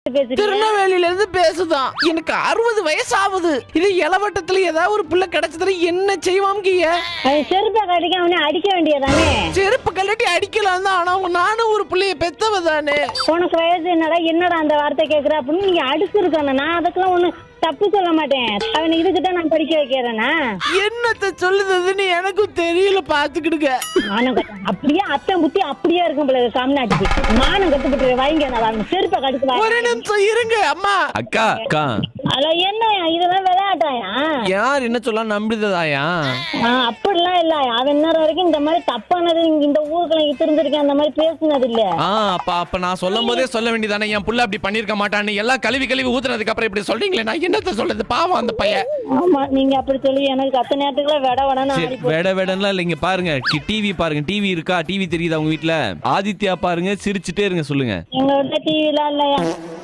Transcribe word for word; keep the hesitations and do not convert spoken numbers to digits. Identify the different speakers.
Speaker 1: திருநெல்வேலியில இருந்து பேசுதான். எனக்கு அறுபது வயசு ஆகுது. இது இளவட்டத்துல ஏதாவது ஒரு புள்ள கிடைச்சதுல என்ன செய்வாங்க?
Speaker 2: செருப்பை கட்டிக்க அவனை அடிக்க வேண்டியதானே.
Speaker 1: செருப்பு கல்லட்டி அடிக்கலாம் தான். ஆனா நானும் ஒரு பிள்ளைய பெத்தவ தானே.
Speaker 2: உனக்கு வயசு என்னடா என்னடா அந்த வார்த்தை கேக்குற அப்படின்னு நீங்க அடிச்சு இருக்கணும். நான் அதுக்கெல்லாம் ஒண்ணு தப்பு சொல்ல மாட்டேன். அவன் இதுக்கிட்ட நான் படிக்க வைக்கிறேன்னா
Speaker 1: என்னத்த சொல்லுதுன்னு எனக்கும் தெரியல. பாத்துக்கிடுங்க.
Speaker 2: மானம் கட்ட அப்படியே அத்தை புத்தி அப்படியே இருக்கும் போல சாமினாட்டுக்கு. மானம் கட்டுப்பட்டு வாங்க. நான் செருப்பை கடிச்சு
Speaker 1: ஒரு நிமிஷம் இருங்க அம்மா.
Speaker 3: அக்கா அக்கா
Speaker 2: அத என்ன இதெல்லாம் விளையாட்டாயா?
Speaker 3: யார் என்ன சொல்ல நம்பிடுதாயா?
Speaker 2: அப்படிலாம் இல்ல. அவன் இன்னொரு வரைக்கும் இந்த மாதிரி தப்பானது இந்த ஊருக்குள்ள இருந்திருக்கேன். அந்த மாதிரி பேசுனது இல்ல.
Speaker 3: அப்ப அப்ப நான் சொல்லும் போதே சொல்ல வேண்டியதானே என் புள்ள அப்படி பண்ணிருக்க மாட்டான்னு. எல்லாம் கழுவி கழுவி ஊத்துனதுக்கு அப்புறம் இப்படி சொல்றீங்களே, நான் என்னத்த சொல்றது? பாவம் அந்த பையன்.
Speaker 2: ஆமா நீங்க அப்படி சொல்லி எனக்கு கத்த நேரத்துக்குள்ள வெட வெடன்னு
Speaker 3: வெட வெடன்லாம் இல்லைங்க. பாருங்க டிவி பாருங்க. டிவி இருக்கா? டிவி தெரியுதா உங்க வீட்டுல? ஆதித்யா பாருங்க. சிரிச்சுட்டே இருங்க. சொல்லுங்க.
Speaker 2: எங்க வீட்டுல டிவி எல்லாம் இல்லையா?